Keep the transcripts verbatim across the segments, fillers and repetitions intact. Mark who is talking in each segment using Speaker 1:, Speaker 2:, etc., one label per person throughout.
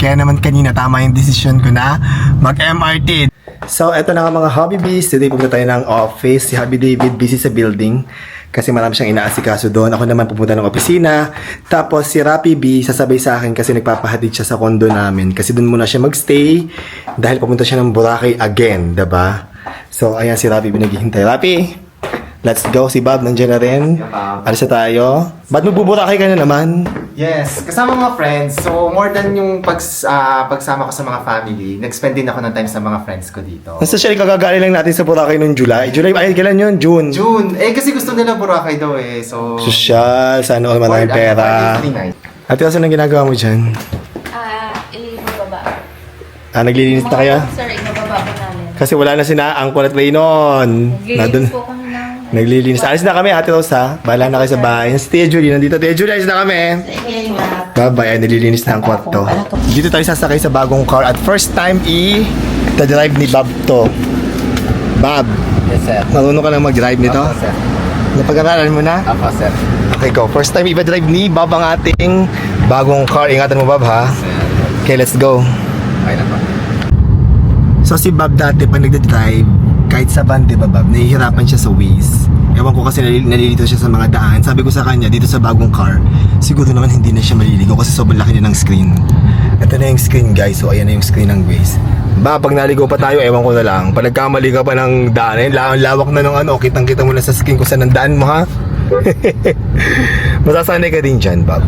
Speaker 1: Kaya naman kanina tama yung desisyon ko na mag-M R T. So, eto na nga mga Hobby Bees. Today pupunta tayo ng office. Si Hobby David busy sa building kasi marami siyang inaasikaso doon. Ako naman pupunta ng opisina. Tapos si Rapi B sasabay sa akin kasi nagpapahatid siya sa condo namin. Kasi doon muna siya magstay dahil papunta siya ng Boracay again, diba? So, ayan si Rapi B naghihintay. Rapi! Let's go. Si Bob nandiyan na rin. Alis na tayo. Ba't magbuburakay ka na naman?
Speaker 2: Yes, kasama mga friends. So, more than yung pags, ah, pagsama ko sa mga family, nag-spend din ako ng time sa mga friends ko dito.
Speaker 1: Nasa siya kagagaling lang natin sa Boracay noong July. July, ay, kailan yun? June.
Speaker 2: June! Eh, kasi gusto nila Boracay daw eh. So,
Speaker 1: Sosyal. Sana all maraming
Speaker 2: for-
Speaker 1: pera.
Speaker 2: for three nights.
Speaker 1: Ate, kasi anong ginagawa mo dyan?
Speaker 3: Ah, ibababa.
Speaker 1: Ah, naglilinis na kaya?
Speaker 3: Sir, ibababa ko namin.
Speaker 1: Kasi wala na sina Angkol at Raynon. Nandun.
Speaker 3: Naglilinis po kami ng...
Speaker 1: Naglilinis. Alis na kami, Ate Rose, ha? Bahala na kayo sa bahay. Si Tia Julie, nandito. Tia Julie, alis na kami.
Speaker 3: Sige, ma.
Speaker 1: Bye-bye. Ay, nililinis na ang kwarto. Dito tayo sasakay sa bagong car. At first time, i-drive ni Bob to. Bob,
Speaker 2: Yes, sir.
Speaker 1: marunong ka na mag-drive nito?
Speaker 2: Apo, sir.
Speaker 1: Napag-aralan mo na?
Speaker 2: Apo, sir.
Speaker 1: Okay, go. First time i-drive ni Bob ang ating bagong car. Ingatan mo, Bob, ha?
Speaker 2: Sir.
Speaker 1: Okay, let's go.
Speaker 2: Okay na po.
Speaker 1: So si Bob dati pag nagde-drive, kahit sa van, di ba Bob, nahihirapan siya sa Waze. Ewan ko kasi nalil- nalilito siya sa mga daan. Sabi ko sa kanya, dito sa bagong car, siguro naman hindi na siya maliligo kasi sobrang laki niya ng screen. Ito na yung screen guys, so ayan na yung screen ng Waze. Ba, pag naligo pa tayo, ewan ko na lang. Pag nagkamali ka pa ng daan, eh, la- lawak na ng ano, kitang-kita mo na sa screen kung saan ang daan mo, ha? Masasanay ka din dyan, Bob.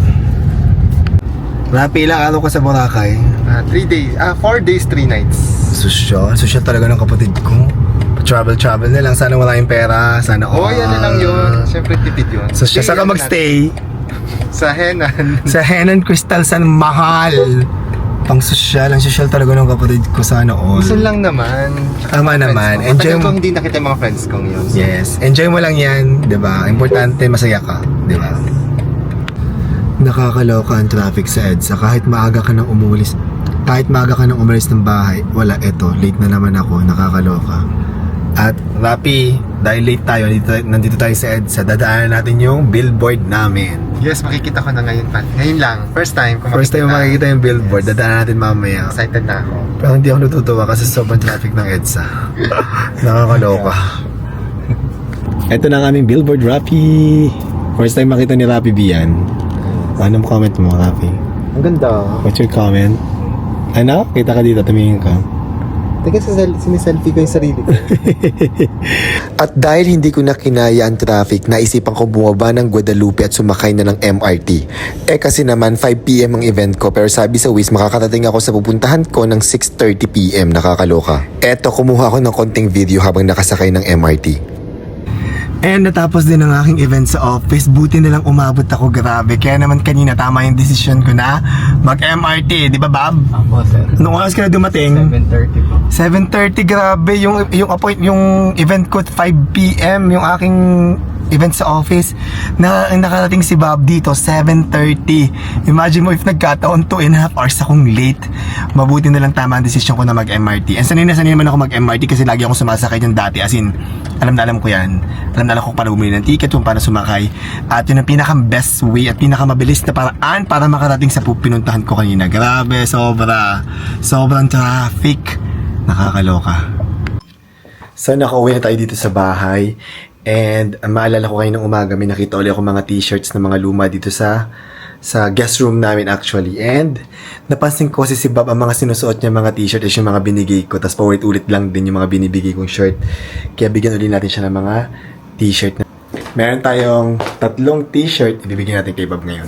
Speaker 1: Rapi, ilang araw ka sa Boracay?
Speaker 2: Ah, three days, ah, four days, three nights.
Speaker 1: Sosyal, sosyal talaga ng kapatid ko. Travel-travel na lang, sana wala yung pera, sana
Speaker 2: Oh,
Speaker 1: all.
Speaker 2: yan na lang yun. Siyempre, tipid yun.
Speaker 1: Sosyal, saan ka
Speaker 2: Stay,
Speaker 1: magstay?
Speaker 2: Sa Henan.
Speaker 1: Sa Henan Crystal San Mahal. Pang sosyal, ang sosyal talaga ng kapatid ko, sana all.
Speaker 2: Gusto lang naman.
Speaker 1: Tama naman,
Speaker 2: Enjoy
Speaker 1: enjoy
Speaker 2: mo.
Speaker 1: mo.
Speaker 2: Hindi nakita yung mga friends kong yun.
Speaker 1: Yes, enjoy mo lang yan, di ba? Importante, masaya ka, di ba? Nakakaloka ang traffic sa EDSA. Kahit maaga ka nang umulis, kahit maaga ka nang umalis ng bahay, wala, eto, late na naman ako, nakakaloka. At Rapi, dahil late tayo, nandito, nandito tayo sa EDSA, dadaanan natin yung billboard namin.
Speaker 2: Yes, makikita ko na ngayon pa. Ngayon lang. First time. Kung
Speaker 1: First time makikita yung billboard,
Speaker 2: Yes.
Speaker 1: dadaanan natin mamaya.
Speaker 2: Excited na ako.
Speaker 1: Pero hindi ako natutuwa kasi sobrang traffic ng EDSA. Nakakaloka. Ito na ang aming billboard, Rapi. First time makita ni Rapi B yan. Anong comment mo, Rapi?
Speaker 2: Ang ganda.
Speaker 1: What's your comment? Ano? Kita ka dito, tumingin ka.
Speaker 2: Teka, siniselfie ko yung sarili ko.
Speaker 4: At dahil hindi ko na kinaya ang traffic, naisipan ko bumaba ng Guadalupe at sumakay na ng M R T. Eh kasi naman five p m ang event ko, pero sabi sa Waze makakarating ako sa pupuntahan ko ng six thirty p m Nakakaloka. Eto, kumuha ako ng konting video habang nakasakay ng M R T.
Speaker 1: And natapos din ang aking event sa office. Buti na lang umabot ako, grabe. Kaya naman kanina tama yung desisyon ko na mag-M R T. Di ba, Bob?
Speaker 2: Ako, sir.
Speaker 1: Anong oras ka na dumating?
Speaker 2: seven thirty po.
Speaker 1: seven thirty, grabe. Yung, yung, appoint, yung event ko five p m Yung aking event sa office. Na, nakarating si Bob dito, seven thirty. Imagine mo if nagkataon two and a half hours akong late. Mabuti na lang tama ang desisyon ko na mag-M R T. And sanay na sanay naman ako mag-M R T kasi lagi akong sumasakay dyan dati. As in, alam na alam ko yan. Alam na alam ko kung paano bumili ng ticket, kung paano sumakay. At yun ang pinaka-best way at pinaka-mabilis na paraan para makarating sa pinuntahan ko kanina. Grabe, sobra. Sobrang traffic. Nakakaloka. So, nakauwi na tayo dito sa bahay. And uh, maalala ko kayo ng umaga, may nakita ulit ako mga t-shirts ng mga luma dito sa sa guest room namin actually. And napansin ko kasi si Bob, ang mga sinusuot niya mga t-shirt is yung mga binigay ko. Tapos paulit-ulit lang din yung mga binibigay kong shirt. Kaya bigyan ulit natin siya ng mga t-shirt. Meron tayong tatlong t-shirt. Ibibigyan natin kay Bob ngayon.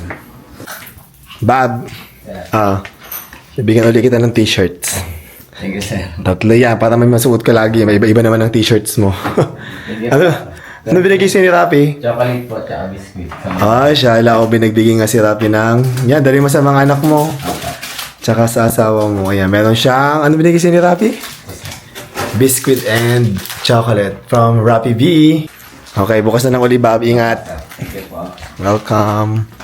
Speaker 1: Bob, ah, ibigyan ulit kita ng t-shirts.
Speaker 2: Thank you, sir.
Speaker 1: Tatlo yan, para may masuot ka lagi. May iba-iba naman ang t-shirts mo. ano? Ano binigay sa'yo ni Rapi?
Speaker 2: Chocolate po, tsaka biscuit.
Speaker 1: Ah, siya. Ala ko binagbigay nga si Rapi ng... Yan, dali mo sa mga anak mo. Tsaka sa asawa mo. Ayan, meron siyang... Ano binigay sa'yo ni Rapi? Biscuit and chocolate from Rapi B. Okay, bukas na ng uli, Bob. Ingat.
Speaker 2: Thank you po.
Speaker 1: Welcome.